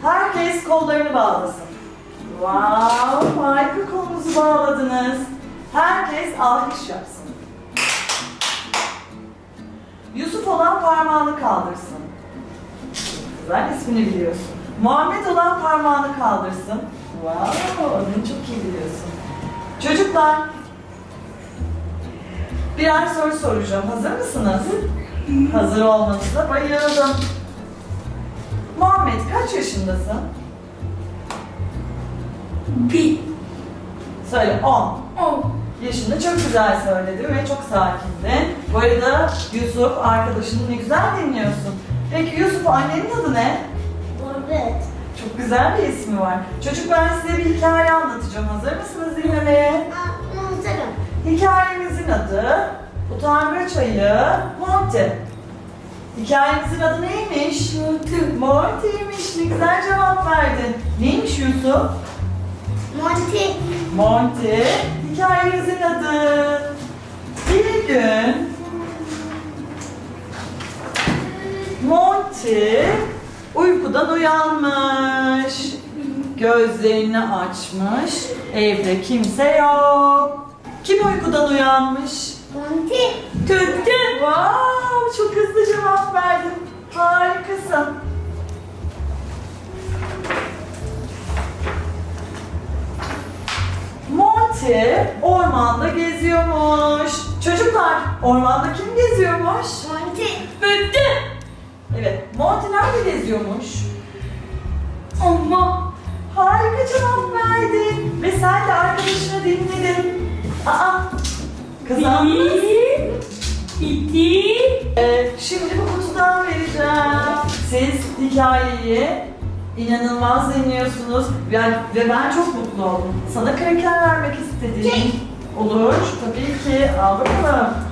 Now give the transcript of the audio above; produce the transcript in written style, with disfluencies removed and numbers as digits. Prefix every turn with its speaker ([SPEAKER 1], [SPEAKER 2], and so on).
[SPEAKER 1] Herkes kollarını bağlasın. Wow, harika, kolunuzu bağladınız. Herkes alkış yapsın. Yusuf olan parmağını kaldırsın. Güzel, ismini biliyorsun. Muhammed olan parmağını kaldırsın. Wow, adını çok iyi biliyorsun. Çocuklar, birer soru soracağım. Hazır mısınız? Hazır olmanıza bayıldım. Muhammed, kaç yaşındasın?
[SPEAKER 2] Bir.
[SPEAKER 1] Söyle, 10.
[SPEAKER 2] 10.
[SPEAKER 1] Yaşında çok güzel söyledin ve çok sakindin. Bu arada Yusuf, arkadaşını ne güzel dinliyorsun. Peki Yusuf, annenin adı ne?
[SPEAKER 2] Evet.
[SPEAKER 1] Çok güzel bir ismi var. Çocuk, ben size bir hikaye anlatacağım. Hazır mısınız dinlemeye?
[SPEAKER 2] Hazırım.
[SPEAKER 1] Hikayemizin adı Utangaç Ayı Monty. Hikayemizin adı neymiş? Monty'ymiş. Ne güzel cevap verdin. Neymiş Yusuf?
[SPEAKER 2] Monty.
[SPEAKER 1] Monty. Hikayemizin adı. Bir gün Monty uykudan uyanmış. Gözlerini açmış. Evde kimse yok. Kim uykudan uyanmış?
[SPEAKER 2] Monty.
[SPEAKER 1] Tüttü. Wow, çok hızlı cevap verdin. Harikasın. Monty ormanda geziyormuş. Çocuklar, ormanda kim geziyormuş?
[SPEAKER 2] Monty.
[SPEAKER 1] Tüttü. Evet, Monty nerede geziyormuş?
[SPEAKER 2] Ama.
[SPEAKER 1] Harika cevap verdin. Ve sen de arkadaşını dinledin. Aa, kazandınız.
[SPEAKER 2] İki.
[SPEAKER 1] Şimdi bu kutudan vereceğim. Siz hikayeyi inanılmaz dinliyorsunuz ve ben çok mutlu oldum. Sana kraker vermek istedim. Olur, tabii ki. Al bakalım.